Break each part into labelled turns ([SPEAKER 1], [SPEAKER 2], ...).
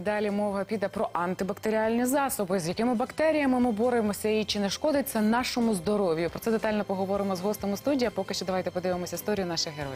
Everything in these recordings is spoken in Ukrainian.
[SPEAKER 1] Далі мова піде про антибактеріальні засоби, з якими бактеріями ми боремося і чи не шкодить це нашому здоров'ю. Про це детально поговоримо з гостем у студії, а поки що давайте подивимося історію наших героїв.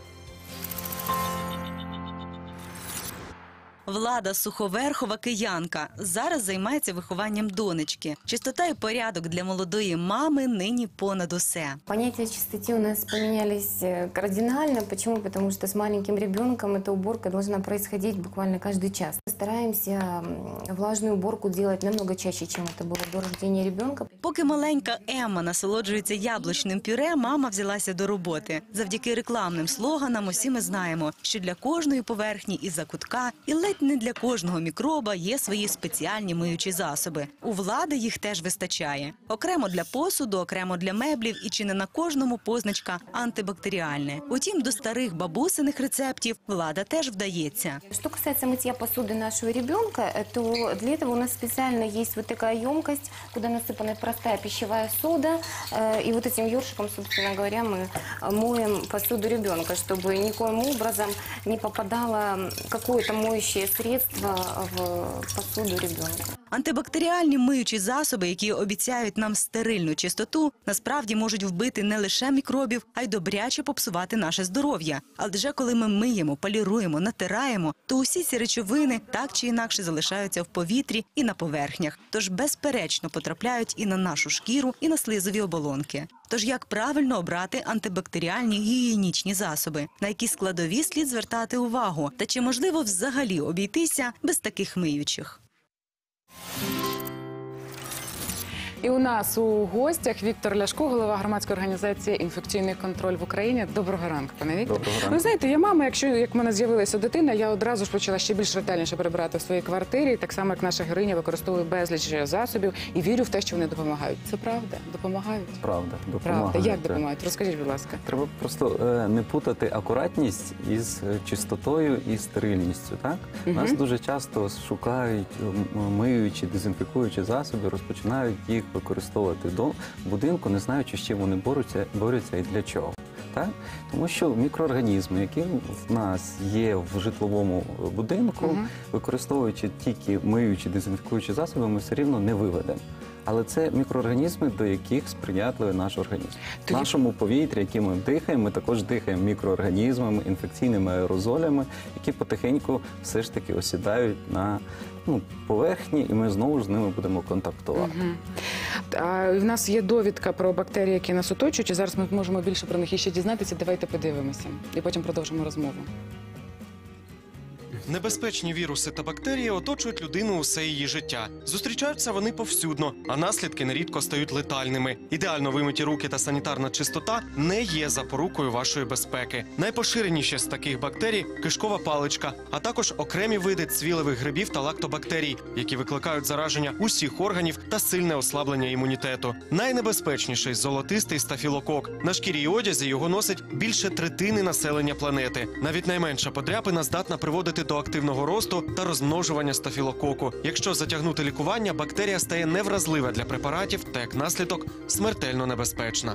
[SPEAKER 2] Влада Суховерхова – киянка. Зараз займається вихованням донечки. Чистота і порядок для молодої мами нині понад усе.
[SPEAKER 3] Понятия чистоты у нас поменялись кардинально. Почему? Потому что с маленьким ребенком эта уборка должна происходить буквально каждый час. Стараемся влажную уборку делать намного чаще, чем это было до рождения ребенка.
[SPEAKER 2] Поки маленька Емма насолоджується яблучним пюре, мама взялася до роботи. Завдяки рекламним слоганам усі ми знаємо, що для кожної поверхні і закутка, і ледь не для кожного мікроба є свої спеціальні миючі засоби. У Влади їх теж вистачає. Окремо для посуду, окремо для меблів і чи не на кожному позначка антибактеріальне. Утім, до старих бабусиних рецептів Влада теж вдається.
[SPEAKER 3] Что касается мытья посуды нашего ребенка, то для этого у нас специально есть вот такая емкость, куда насыпана простая пищевая сода. И вот этим ёршиком, собственно говоря, мы моем посуду ребенка, чтобы никоим образом не попадало какое-то моющее средство в посуду ребенка.
[SPEAKER 2] Антибактеріальні миючі засоби, які обіцяють нам стерильну чистоту, насправді можуть вбити не лише мікробів, а й добряче попсувати наше здоров'я. Адже коли ми миємо, поліруємо, натираємо, то усі ці речовини так чи інакше залишаються в повітрі і на поверхнях. Тож безперечно потрапляють і на нашу шкіру, і на слизові оболонки. Тож як правильно обрати антибактеріальні гігієнічні засоби? На які складові слід звертати увагу? Та чи можливо взагалі обійтися без таких миючих?
[SPEAKER 1] І у нас у гостях Віктор Ляшко, голова громадської організації «Інфекційний контроль в Україні». Доброго ранку, пане Віктор.
[SPEAKER 4] Доброго ранку.
[SPEAKER 1] Ви знаєте, я мама, як в мене з'явилася дитина, я одразу ж почала ще більш ретельніше прибирати в своїй квартирі. Так само, як наша героїня використовує безліч засобів і вірю в те, що вони допомагають. Це правда? Допомагають?
[SPEAKER 4] Правда, допомагають.
[SPEAKER 1] Правда. Як допомагають? Розкажіть, будь ласка.
[SPEAKER 4] Треба просто не путати акуратність із чистотою і стерильністю. Так? Нас дуже часто шукають миючі, дезінфікуючі засоби, розпочинають їх використовувати до будинку, не знаючи, з чим вони борються і для чого. Так? Тому що мікроорганізми, які в нас є в житловому будинку, використовуючи тільки миючі, дезінфікуючі засоби, ми все рівно не виведемо. Але це мікроорганізми, до яких сприятливий наш організм. В нашому повітрі, яким ми дихаємо, ми також дихаємо мікроорганізмами, інфекційними аерозолями, які потихеньку все ж таки осідають на поверхні, і ми знову ж з ними будемо контактувати.
[SPEAKER 1] В нас є довідка про бактерії, які нас оточують, і зараз ми можемо більше про них іще дізнатися. Давайте подивимося, і потім продовжимо розмову.
[SPEAKER 5] Небезпечні віруси та бактерії оточують людину усе її життя. Зустрічаються вони повсюдно, а наслідки нерідко стають летальними. Ідеально вимиті руки та санітарна чистота не є запорукою вашої безпеки. Найпоширеніші з таких бактерій – кишкова паличка, а також окремі види цвілевих грибів та лактобактерій, які викликають зараження усіх органів та сильне ослаблення імунітету. Найнебезпечніший – золотистий стафілокок. На шкірі і одязі його носить більше третини населення планети. Навіть найменша подряпина здатна приводити до активного росту та розмножування стафілококу. Якщо затягнути лікування, бактерія стає невразлива для препаратів та, як наслідок, смертельно небезпечна.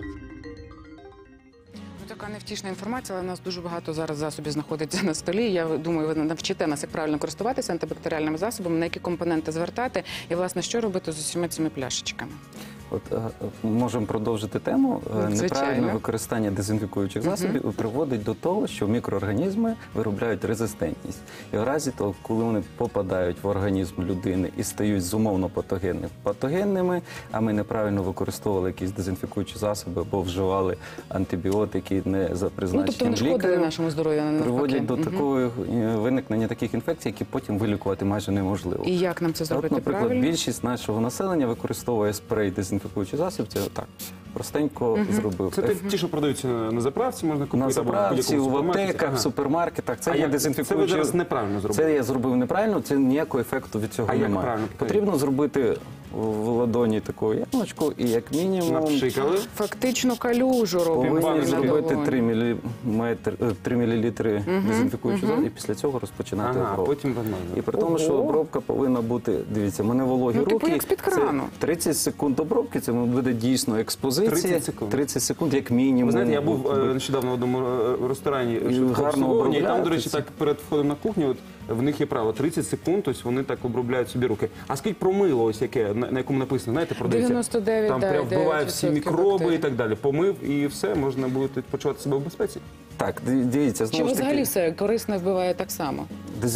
[SPEAKER 1] Така невтішна інформація, але в нас дуже багато зараз засобів знаходиться на столі. Я думаю, ви навчите нас, як правильно користуватися антибактеріальними засобами, на які компоненти звертати і, власне, що робити з усіма цими пляшечками.
[SPEAKER 4] Можемо продовжити тему. Неправильне використання дезінфікуючих засобів приводить до того, що мікроорганізми виробляють резистентність. І в разі того, коли вони попадають в організм людини і стають зумовно патогенними, а ми неправильно використовували якісь дезінфікуючі засоби або вживали антибіотики не за призначенням
[SPEAKER 1] тобто вони шкодили нашому здоров'ю, навпаки.
[SPEAKER 4] Приводять до такого виникнення таких інфекцій, які потім вилікувати майже неможливо.
[SPEAKER 1] І як нам це зробити правильно?
[SPEAKER 4] Наприклад, більшість нашого населення використовує спрей дезінфікуючий засіб, це так, простенько зробив.
[SPEAKER 6] Це ті, що продаються на заправці, можна купити?
[SPEAKER 4] На заправці, в аптеках, в супермаркетах. Це є дезінфікуючий.
[SPEAKER 6] Це ви зараз неправильно зробили?
[SPEAKER 4] Це я зробив неправильно, це ніякого ефекту від цього немає. Потрібно зробити в ладоні таку ямочку і як мінімум...
[SPEAKER 6] Напшикали.
[SPEAKER 1] Фактично калюжу робимо.
[SPEAKER 4] Повинні зробити 3 мл дезінфікуючого засобу і після цього розпочинати обробку.
[SPEAKER 6] А потім вимазати.
[SPEAKER 4] І при тому, що обробка повинна бути, дивіться, в мене вологі руки.
[SPEAKER 1] Типу як з-під крану.
[SPEAKER 4] 30 секунд обробки, це буде дійсно експозиція. 30 секунд як мінімум.
[SPEAKER 6] Ви знаєте, я був нещодавно в одному ресторані, і там, до речі, так перед входом на кухню, в них є право 30 секунд, тобто вони так обробляють собі руки. А скажіть про мило, ось яке, на якому написано, знаєте, продається?
[SPEAKER 1] 99,
[SPEAKER 6] Там
[SPEAKER 1] да,
[SPEAKER 6] прям вбиває
[SPEAKER 1] 9%
[SPEAKER 6] всі мікроби
[SPEAKER 1] бактерій.
[SPEAKER 6] і так далі. Помив і все, можна буде почувати себе в безпеці.
[SPEAKER 4] Так, дивіться,
[SPEAKER 1] Чи
[SPEAKER 4] знову ж
[SPEAKER 1] взагалі
[SPEAKER 4] таки,
[SPEAKER 1] все корисно вбиває так само?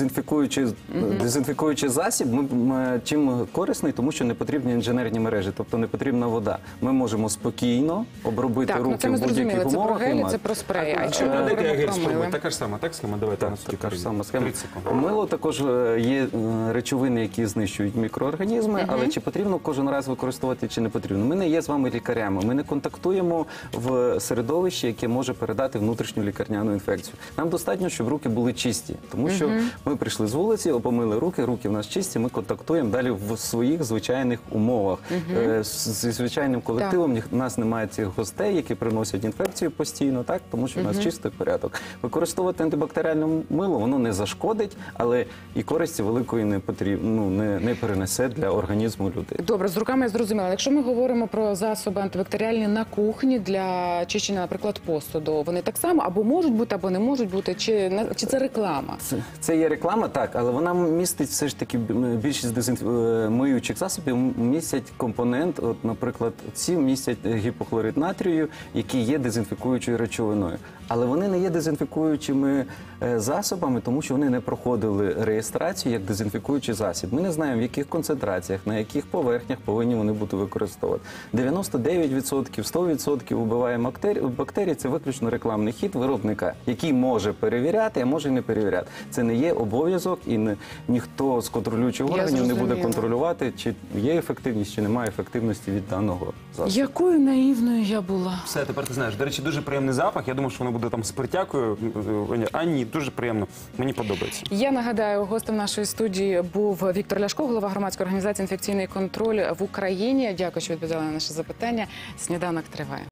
[SPEAKER 4] дезінфікуючий засіб чим корисний, тому що не потрібні інженерні мережі, тобто не потрібна вода. Ми можемо спокійно обробити
[SPEAKER 1] Так, ну
[SPEAKER 4] руки
[SPEAKER 1] це ми
[SPEAKER 4] в будь-яких
[SPEAKER 1] зрозуміли. Це про
[SPEAKER 4] умовах. і
[SPEAKER 1] гелі,
[SPEAKER 4] мати.
[SPEAKER 1] це про спреї. А якщо ми
[SPEAKER 6] Дайте я
[SPEAKER 1] говоримо
[SPEAKER 6] гель
[SPEAKER 1] про
[SPEAKER 6] спробую.
[SPEAKER 1] мило?
[SPEAKER 6] Така ж сама, так схема? Давайте
[SPEAKER 4] Так,
[SPEAKER 6] на суді
[SPEAKER 4] така ж сама схема.
[SPEAKER 6] 30 секунд.
[SPEAKER 4] Мило також є речовини, які знищують мікроорганізми, але чи потрібно кожен раз використовувати, чи не потрібно. Ми не є з вами лікарями, ми не контактуємо в середовищі, яке може передати внутрішню лікарняну інфекцію. Нам достатньо, щоб руки були чисті, тому що ми прийшли з вулиці, помили руки, руки в нас чисті, ми контактуємо далі в своїх звичайних умовах. Зі звичайним колективом у нас немає цих гостей, які приносять інфекцію постійно, так, тому що у нас чистий порядок. Використовувати антибактеріальне мило, воно не зашкодить, але і користі великої не потрібно, не перенесе для організму людей.
[SPEAKER 1] Добре, з руками я зрозуміла. Якщо ми говоримо про засоби антибактеріальні на кухні для чищення, наприклад, посуду, вони так само або можуть бути, або не можуть бути, чи це реклама?
[SPEAKER 4] Це є реклама, так, але вона містить все ж таки більшість миючих засобів містять компонент, от, наприклад, ці містять гіпохлорид натрію, який є дезінфікуючою речовиною. Але вони не є дезінфікуючими засобами, тому що вони не проходили реєстрацію як дезінфікуючий засіб. Ми не знаємо, в яких концентраціях, на яких поверхнях повинні вони бути використовувати. 99%, 100% вбиває бактерії – це виключно рекламний хід виробника, який може перевіряти, а може і не перевіряти. Це не є обов'язок і ніхто з контролюючих
[SPEAKER 1] Я
[SPEAKER 4] органів не буде
[SPEAKER 1] зрозуміла.
[SPEAKER 4] контролювати, чи є ефективність, чи немає ефективності від даного засобу.
[SPEAKER 1] Якою наївною я була?
[SPEAKER 6] Все, тепер ти знаєш. До речі, дуже приємний запах. Я думав, що воно буде там з перетякою. А ні, дуже приємно. Мені подобається.
[SPEAKER 1] Я нагадаю, гостем нашої студії був Віктор Ляшко, голова громадської організації «Інфекційний контроль в Україні». Дякую, що відповідали на наше запитання. Сніданок триває.